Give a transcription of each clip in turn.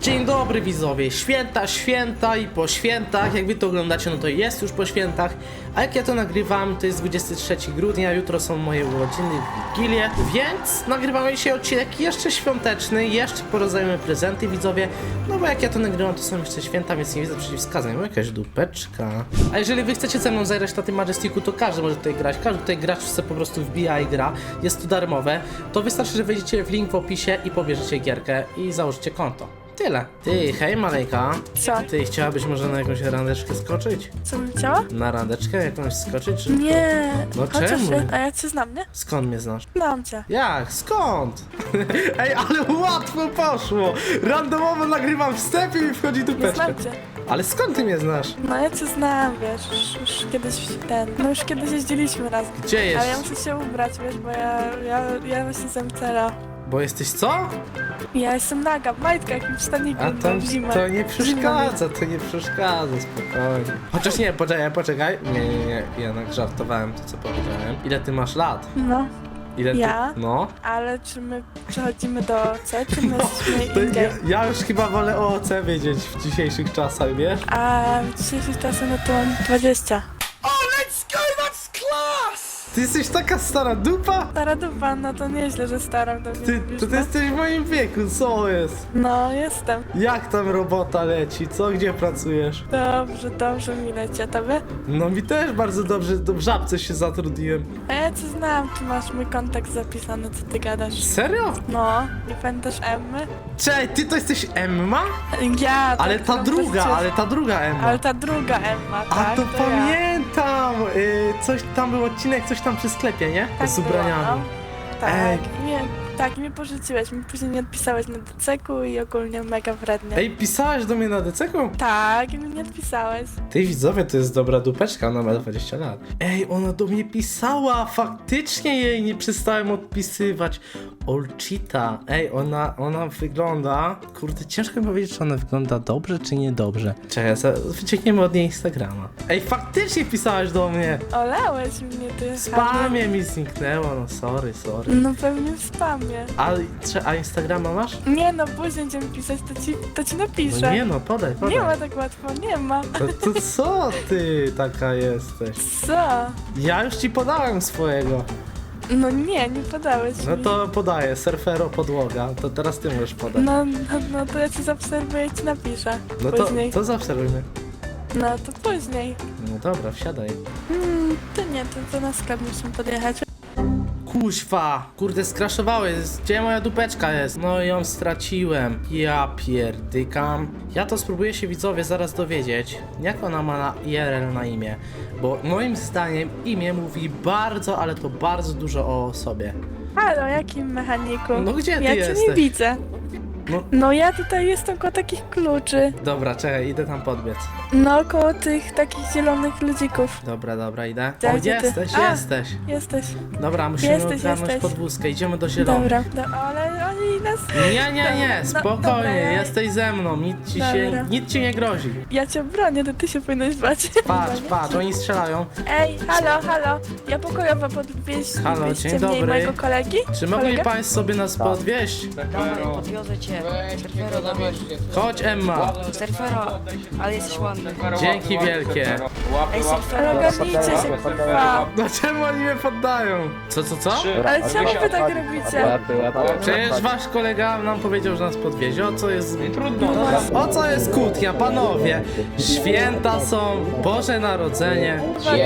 Dzień dobry widzowie, święta i po świętach, jak wy to oglądacie, no to jest już po świętach, a jak ja to nagrywam, to jest 23 grudnia, jutro są moje urodziny, Wigilie, więc nagrywamy dzisiaj odcinek jeszcze świąteczny, jeszcze porozdajemy prezenty widzowie, no bo jak ja to nagrywam, to są jeszcze święta, więc nie widzę przeciwwskazań, mam jakaś dupeczka. A jeżeli wy chcecie ze mną zagrać na tym Majesticu, to każdy może tutaj grać, każdy tutaj gracz sobie po prostu wbija i gra, jest to darmowe, to wystarczy, że wejdziecie w link w opisie i pobierzecie gierkę i założycie konto. Tyle. Ty, hej Malejka. Co? Ty chciałabyś może na jakąś randeczkę skoczyć? Co bym chciała? Na randeczkę jakąś skoczyć? Czy... Nie. No Chociaż czemu? A ja cię znam, nie? Skąd mnie znasz? Znam cię. Jak? Skąd? Ej, ale łatwo poszło! Randomowo nagrywam wstęp i mi wchodzi Nie dupeczka. znam cię. Ale skąd ty mnie znasz? No ja cię znam, wiesz, już kiedyś już kiedyś jeździliśmy razem. Gdzie jest? Ale ja muszę się ubrać, wiesz, bo ja właśnie z MCL-a. Bo jesteś co? Ja jestem naga, w majtkach i w staniku, A to, w zimę. to nie przeszkadza, to nie przeszkadza, spokojnie. Chociaż nie, poczekaj. Nie, jednak żartowałem to, co powiedziałem. Ile ty masz lat? No, Ile ty... Ja? No. ale czy my przechodzimy do C, czy my jesteśmy To indziej? ja już chyba wolę o OC wiedzieć w dzisiejszych czasach, wiesz? A w dzisiejszych czasach no to mam 20. Ty jesteś taka stara dupa? Stara dupa, no to nieźle, że stara do mnie Ty, mówisz, to ty no. jesteś w moim wieku, co jest? No, jestem. Jak tam robota leci, co? Gdzie pracujesz? Dobrze mi leci, a tobie? No mi też bardzo dobrze, w Żabce się zatrudniłem. A ja cię znam, tu masz mój kontakt zapisany, co ty gadasz. Serio? No, nie pamiętasz Emmy? Cześć, ty to jesteś Emma? Ja, tak, Ale ta no, druga, przecież- ale ta druga Emma. Ale ta druga Emma, A tak, to ja. pamiętam! Coś tam był odcinek, coś tam przy sklepie, nie? Tak Z było, ubraniami. no. Tak, Ej. i mnie pożyczyłeś, mi później nie odpisałeś na DCK-u i ogólnie mega wrednie. Ej, pisałeś do mnie na DCK-u? Tak, i mi nie odpisałeś. Ty widzowie, to jest dobra dupeczka, ona ma 20 lat. Ej, ona do mnie pisała, faktycznie jej nie przestałem odpisywać. Olchita, ej, ona wygląda... Kurde, ciężko mi powiedzieć, czy ona wygląda dobrze, czy niedobrze. Czekaj, wyciągniemy od niej Instagrama. Ej, faktycznie pisałaś do mnie. Olałeś mnie, ty. W spamie mi zniknęło, no sorry. No pewnie w spamie. A Instagrama masz? Nie no, później będziemy pisać, to ci napiszę. No nie no, podaj. Nie ma tak łatwo, nie ma. To co ty taka jesteś? Co? Ja już ci podałem swojego. No nie podałeś No mi. to podaję, surfero podłoga, to teraz ty możesz podać. No to ja cię zaobserwuję i ci napiszę. No to, Później. to zaobserwujmy. No to później. No dobra, wsiadaj. To nie, to na sklep musimy podjechać. Kuźwa, kurde skraszowały, gdzie moja dupeczka jest? No ją straciłem. Ja pierdykam. Ja to spróbuję się widzowie zaraz dowiedzieć, jak ona ma na IRL na imię. Bo moim zdaniem imię mówi bardzo, ale to bardzo dużo o sobie. Halo, jakim mechaniku? No gdzie ty ja cię jesteś? nie widzę. No No ja tutaj jestem koło takich kluczy. dobra, czekaj, idę tam podbiec. No koło tych takich zielonych ludzików. Dobra, idę. Gdzie O, ty? jesteś. Jesteś. Dobra, musimy Jesteś. ogarnąć podwózkę, idziemy do zielonych. Dobra. Ale oni nas... Nie, No, spokojnie, dobra, ja- jesteś ze mną, Dobra. nic ci nie grozi. Ja cię bronię, to ty się powinieneś bać. Patrz, oni strzelają. Ej, halo. Ja pokojowo podwieźć Halo, wieźcie dzień mnie i dobry. mojego kolegi. Czy mogli Kolegę? państwo sobie nas podwieźć? Podwiozę cię. Surfero, dawaj. Chodź Emma. Surfero, ale jesteś ładny. Dzięki wielkie. Ej, surfero, Ogarnijcie się, kurwa. No czemu oni mnie poddają? Co? Ale czemu wy tak robicie? Przecież wasz kolega nam powiedział, że nas podwiezie. O co jest... Trudno. O co jest kłótnia, panowie? Święta są, Boże Narodzenie.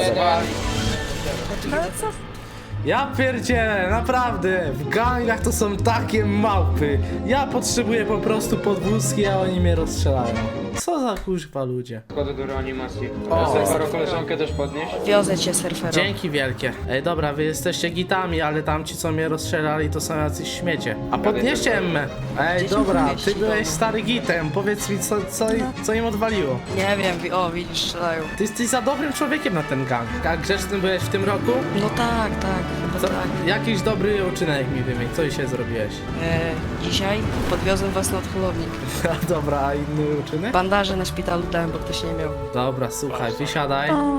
Ale co? Ja pierdzielę, naprawdę, w gangach to są takie małpy. Ja potrzebuję po prostu podwózki, a oni mnie rozstrzelają. Co za kuźwa ludzie. Wchodzę do reanimacji. O. Surfero, koleżankę też podnieść? Wiozę cię, surfero. Dzięki wielkie. Ej, dobra, wy jesteście gitami, ale tamci, co mnie rozstrzelali, to są jacyś śmiecie. A podnieście Emmę. Ej, Gdzie się dobra, podnieść? ty byłeś stary gitem. Powiedz mi, co im odwaliło. Nie wiem, widzisz, strzelają. Ty jesteś za dobrym człowiekiem na ten gang. A grzeczny byłeś w tym roku? No tak, chyba Co, tak. jakiś dobry uczynek mi wymień. Co dzisiaj zrobiłeś? Dzisiaj podwiozłem was na odholownik. A dobra, a inny uczynek? Bandaże na szpitalu dałem, bo ktoś nie miał. Dobra, słuchaj, wysiadaj. O,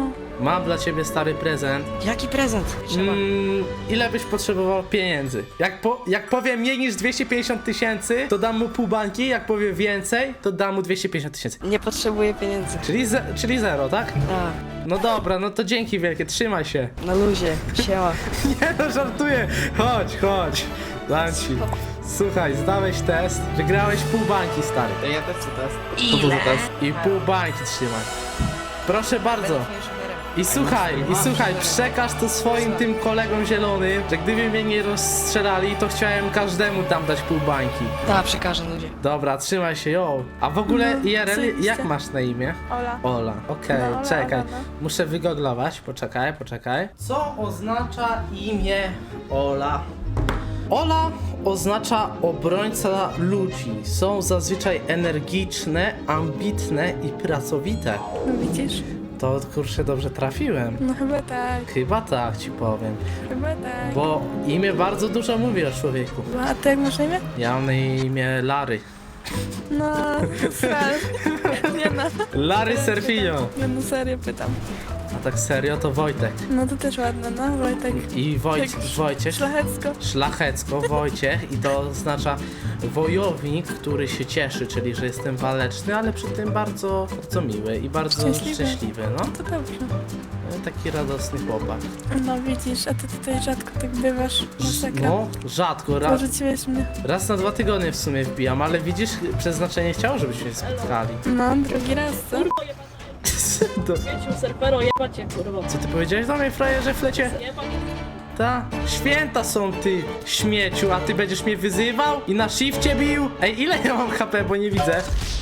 mam dla ciebie stary prezent. Jaki prezent? Trzeba. Ile byś potrzebował pieniędzy? Jak powie mniej niż 250 tysięcy, to dam mu pół bańki, jak powie więcej, to dam mu 250 tysięcy. Nie potrzebuję pieniędzy. Czyli zero, tak? Tak, No dobra, no to dzięki wielkie, trzymaj się. na luzie. Siema. Nie no, żartuję. Chodź. Dam ci. Słuchaj, zdałeś test, wygrałeś pół bańki, stary. Ja też chcę test. Ile? To duży test. I pół bańki trzymaj. Proszę bardzo. I słuchaj, przekaż to swoim tym kolegom zielonym, że gdyby mnie nie rozstrzelali, to chciałem każdemu tam dać pół bańki. Tak, przekażę ludzie. Dobra, trzymaj się, jo. A w ogóle, No, IRL, zajebiście. jak masz na imię? Ola. Ola, okej, No, Ola, czekaj. Ola, no. Muszę wygooglować, poczekaj. Co oznacza imię Ola? Ola oznacza obrońca ludzi. Są zazwyczaj energiczne, ambitne i pracowite. No widzisz? To kurczę dobrze trafiłem. No chyba tak, Chyba tak ci powiem. chyba tak. Bo imię bardzo dużo mówi o człowieku. No, a ty jak masz na imię? Ja mam na imię Larry. No, sral. Nie no. Larry Serfinio. Nie no, serio pytam. A tak serio to Wojtek. No to też ładne, no, Wojtek. I Wojciech. Szlachecko. Szlachecko, Wojciech i to oznacza wojownik, który się cieszy, czyli że jestem waleczny, ale przy tym bardzo miły i bardzo szczęśliwy, no. To dobrze. Taki radosny chłopak. No widzisz, a ty tutaj rzadko tak bywasz. Masakra. No, rzadko, Porzuciłeś mnie. raz na 2 tygodnie w sumie wbijam, ale widzisz, przeznaczenie chciało, żebyśmy się spotkali. No, drugi raz, co? To, Wiecie, serfero, jebacie, kurwa. co ty powiedziałeś do mnie, frajerze, flecie? Jebać. Ta? Święta są ty, śmieciu, a ty będziesz mnie wyzywał i na shifcie bił? Ej, ile ja mam HP, bo nie widzę?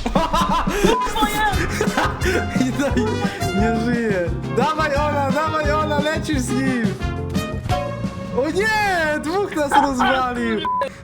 No i nie żyje. Dawaj Ola, lecisz z nim! O nie! Dwóch nas rozwalił!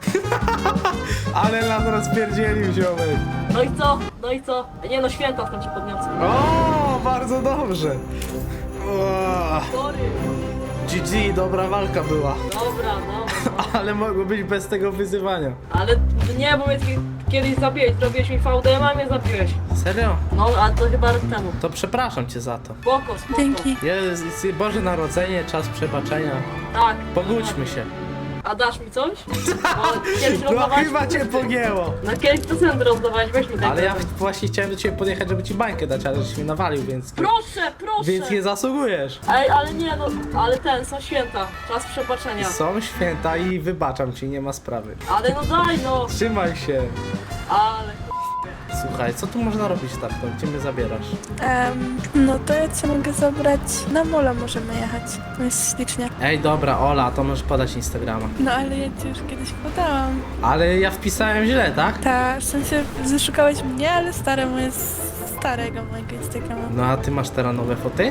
Ale nas rozpierdzielił, ziomek. No i co? Nie no, święta w końcu podniosę. O, bardzo dobrze. O, Sorry. GG, dobra walka była. Dobra. Ale mogło być bez tego wyzywania. Ale nie, bo mnie kiedyś zabiłeś, zrobiłeś mi VDM, a mnie zabiłeś. Serio? No, ale to chyba rok temu. To przepraszam cię za to. Spoko. Dzięki. Jest Boże Narodzenie, czas przebaczenia. Tak. Pogódźmy się. A dasz mi coś? Bo kiedyś No rozdawałeś... chyba cię pogięło. No kiedyś prezenty rozdawałeś, weź mi ten Ale ja prezent. właśnie chciałem do ciebie podjechać, żeby ci bańkę dać, ale żeś mnie nawalił, więc... Proszę! Więc nie zasługujesz. Ej, ale nie no, ale są święta. Czas przebaczenia. Są święta i wybaczam ci, nie ma sprawy. Ale no daj no! Trzymaj się. Ale... Słuchaj, co tu można robić tak, to gdzie mnie zabierasz? No to ja cię mogę zabrać. Na mola możemy jechać. To jest ślicznie. Ej, dobra, Ola, to możesz podać Instagrama. No ale ja ci już kiedyś podałam. Ale ja wpisałem źle, tak? Ta, w sensie zaszukałeś mnie, ale staremu jest starego mojego Instagrama. No a ty masz teraz nowe foty?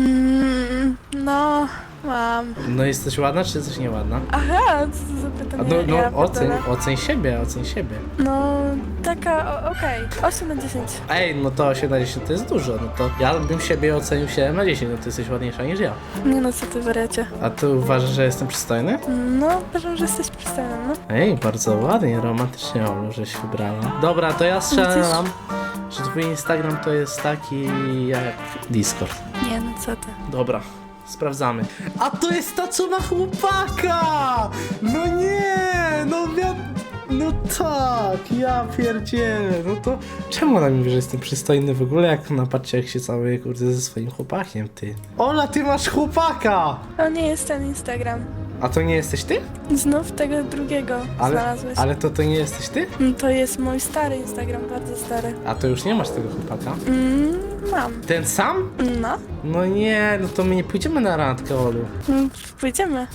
No, mam. No jesteś ładna, czy jesteś nieładna? Aha, co to za A pytanie? no, Ja oceń pierdolę. oceń siebie. No, taka, okej. 8 na 10. Ej, no to 8 na 10 to jest dużo, no to ja bym siebie ocenił 7 na 10, no ty jesteś ładniejsza niż ja. Nie no, co ty wariacie. A ty uważasz, że jestem przystojny? No, uważam, że jesteś przystojny, no. Ej, bardzo ładnie, romantycznie Olu, żeś wybrała. Dobra, to ja strzelam, że twój Instagram to jest taki jak Discord. Nie no, co ty. Dobra, sprawdzamy. A to jest ta, co ma chłopaka! No nie, no tak, ja pierdzielę, no to czemu ona mi mówi, że jestem przystojny w ogóle, jak napatrzcie, jak się cały kurde ze swoim chłopakiem, ty. Ola, ty masz chłopaka! To nie jest ten Instagram. A to nie jesteś ty? Znów tego drugiego znalazłeś. Ale to nie jesteś ty? No, to jest mój stary Instagram, bardzo stary. A to już nie masz tego chłopaka? Mam. Ten sam? No, No nie, no to my nie pójdziemy na randkę, Olu. pójdziemy.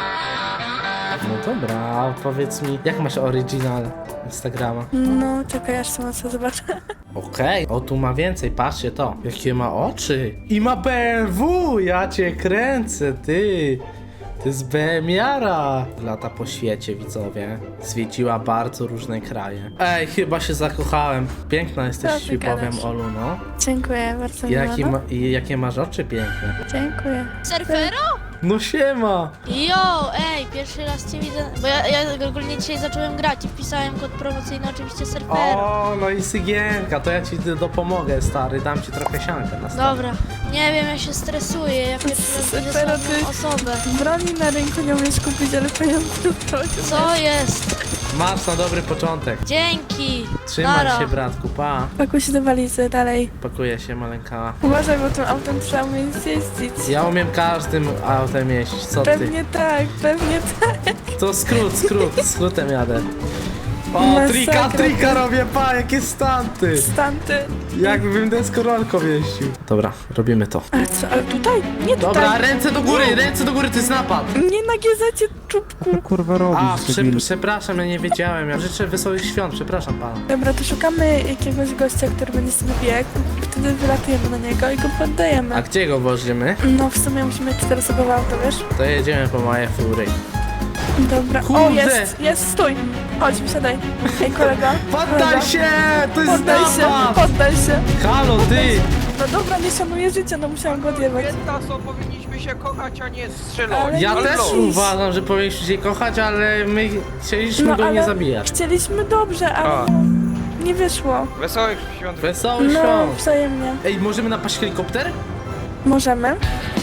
No dobra, a powiedz mi, jak masz oryginal Instagrama? No, czekaj, aż sama co zobaczę. Okej, o tu ma więcej, patrzcie to. Jakie ma oczy. I ma BMW, ja cię kręcę, ty. To jest BM-jara. Lata po świecie, widzowie. Zwiedziła bardzo różne kraje. Ej, chyba się zakochałem. Piękna jesteś, Co ci ty powiem, gadasz? Olu, no. Dziękuję, bardzo miło. Jaki no. jakie masz oczy piękne. Dziękuję. Surfero? No siema! Jo, ej, pierwszy raz cię widzę, bo ja ogólnie dzisiaj zacząłem grać i wpisałem kod promocyjny oczywiście serwera. O, no i sygienka, to ja ci dopomogę, stary, dam ci trochę siankę na stole. Dobra, nie wiem, ja się stresuję, ja pierwszy raz widzę Pero słabą ty- osobę. Broni na rynku nie umiesz kupić, ale pieniądze to Co jest? Masz na dobry początek. Dzięki! Trzymaj Nara. się, bratku, pa. Pakuj się do walizy, dalej. Pakuje się, maleńka. Uważaj, bo tym autem trzeba umieć jeździć. Ja umiem każdym autem jeździć, co ty? Pewnie tak, pewnie tak. To skrótem jadę. O, Masakra. trika robię, pa, jakie stanty! Stanty. Jakbym deskorolką jeździł. Dobra, robimy to. Ale co, ale tutaj? Nie tutaj. Dobra, ręce do góry, to jest napad! Nie na GZ czubku. Kurwa robisz, A, debil. przepraszam, ja nie wiedziałem. Ja życzę wesołych świąt, przepraszam pana. Dobra, to szukamy jakiegoś gościa, który będzie sobie biegł. Wtedy wylatujemy na niego i go poddajemy. A gdzie go włożymy? No w sumie musimy 4-osobowe auto, wiesz? To jedziemy po moje fury. Dobra. Kurde. O, jest, stój. Chodź, wysiadaj. Ej, kolego. Poddaj kolego. się! To jest Poddaj się, napad! poddaj się. Halo, ty! No dobra, nie szanuję życia, no musiałam go odjebać. Taso, powinniśmy się kochać, a nie strzelać. Ale Ja nie też idź. uważam, że powinniśmy się kochać, ale my chcieliśmy go nie zabijać. Chcieliśmy dobrze, ale A. no, nie wyszło. Wesołych świąt. Wesołych No, świąt! wzajemnie. Ej, możemy napaść helikopter? Możemy.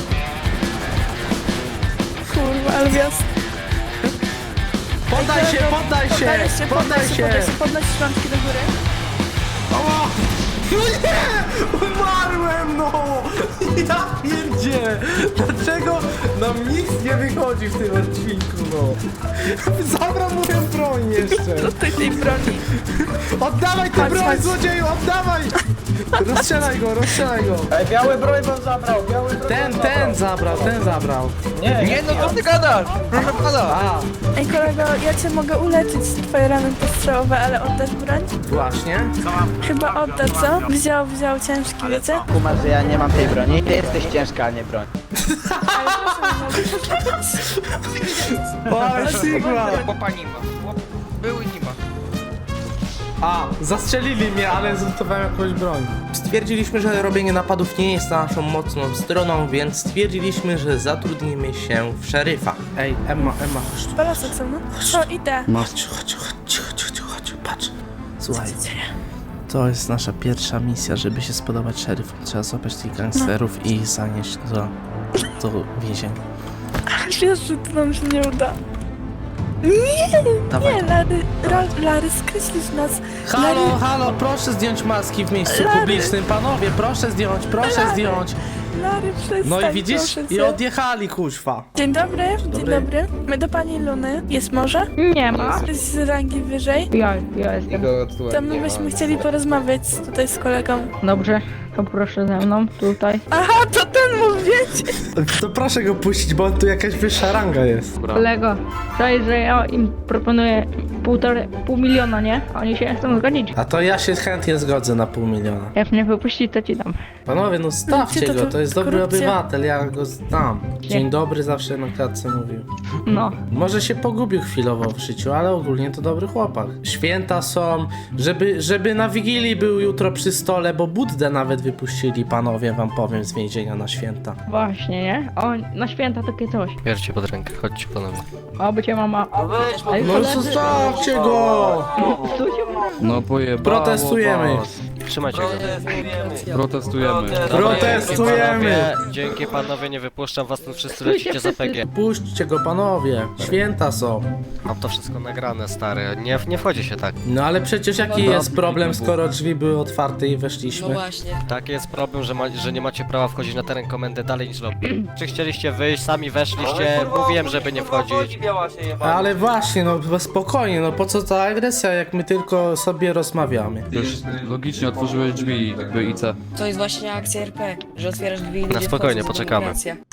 Kurwa, ale wjazd. Poddaj się! Poddaj się szklanki do góry. O! No nie! Umarłem, no! Ja pierdzie! Dlaczego nam nic nie wychodzi w tym odcinku, no? Zabrał moją broń jeszcze! Do tej broni. Oddawaj tę Chodź, broń, chodź. złodzieju, oddawaj! Rozstrzelaj go! Ej, biały broń wam zabrał, Ten zabrał. Nie, no co ty gadasz? Proszę pana. A, Ej, kolego, ja cię mogę uleczyć twoje rany postrzałowe, ale oddasz broń? właśnie. Chyba odda, co? Wziął ciężki, wiecie? Kumasz, że ja nie mam tej broni. Ty jesteś ciężka, a nie broń. O, Sigma! Chłopa nie ma. Chłop był i nie ma. A, zastrzelili mnie, ale zlutowałem jakąś broń. Stwierdziliśmy, że robienie napadów nie jest naszą mocną stroną, więc stwierdziliśmy, że zatrudnimy się w szeryfa. Ej, Emma, chodź tu. Balasek są, no? Co, idę. Chodź, patrz. Słuchaj, to jest nasza pierwsza misja, żeby się spodobać szeryfom. Trzeba złapać tych gangsterów i ich zanieść do więzienia. Wiesz, że to nam się nie uda. Nie, Dawaj. nie, Lary, skreślisz nas. Halo, proszę zdjąć maski w miejscu Lary. publicznym, panowie, proszę zdjąć. Lary, przestań, No i widzisz? proszę I cię. odjechali, kuźwa. Dzień dobry. My do pani Luny. Jest może? Nie ma. Z rangi wyżej. Ja jestem. To my byśmy chcieli porozmawiać tutaj z kolegą. Dobrze, to proszę ze mną tutaj. Aha, to ten mógł wiedzieć. To proszę go puścić, bo tu jakaś wyższa ranga jest. Kolego, to że ja im proponuję pół miliona, nie? A oni się nie chcą zgodzić. A to ja się chętnie zgodzę na 500 000. Jak mnie wypuści, to ci dam. Panowie, no stawcie Gdzie to go, tu to jest dobry korupcja? obywatel, ja go znam. Dzień dobry zawsze na klatce mówił. No. Może się pogubił chwilowo w życiu, ale ogólnie to dobry chłopak. Święta są, żeby na Wigilii był jutro przy stole, bo Buddę nawet wypuścili, panowie, wam powiem, z więzienia na święta. Właśnie, nie? O, na święta takie coś. Bierzcie pod rękę, chodźcie panowie. Oby cię mama... Ej, No zostawcie go! tu się ma. No pojebało Protestujemy. was. Trzymajcie go. Protestujemy. Protestujemy! Dzięki panowie, nie wypuszczam was, tu wszyscy lecicie za PG. Puśćcie go, panowie, święta są. Mam to wszystko nagrane, stary, nie wchodzi się tak. No ale przecież jaki jest problem, skoro drzwi były otwarte i weszliśmy? Taki jest problem, że nie macie prawa wchodzić na teren komendy dalej niż lobby. Czy chcieliście wyjść, sami weszliście, mówiłem, żeby nie wchodzić. Ale właśnie, no spokojnie, no po co ta agresja, jak my tylko sobie rozmawiamy? Już logicznie otworzyłeś drzwi, jakby IC. To jest właśnie akcja RP, że otwierasz drzwi i Na spokojnie, poczekamy.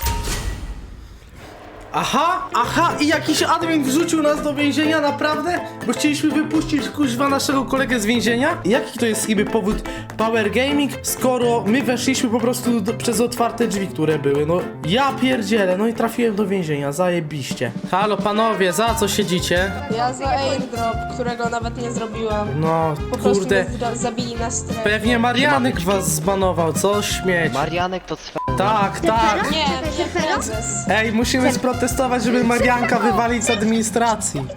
Aha, i jakiś admin wrzucił nas do więzienia, naprawdę? Bo chcieliśmy wypuścić kuźwa naszego kolegę z więzienia? Jaki to jest niby powód Power Gaming, skoro my weszliśmy po prostu przez otwarte drzwi, które były? No ja pierdzielę, no i trafiłem do więzienia, zajebiście. Halo panowie, za co siedzicie? Ja za airdrop, którego nawet nie zrobiłam. No Po prostu kurde, mnie zabili na strefie. pewnie Marianek was zbanował, co śmieć. Marianek to Tak, tak. Nie, nie prezes. Ej, musimy sprotestować, żeby Marianka wywalić z administracji.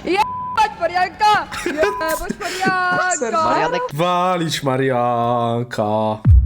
Marianka! Jebać Marianka! Marianek Walić Marianka.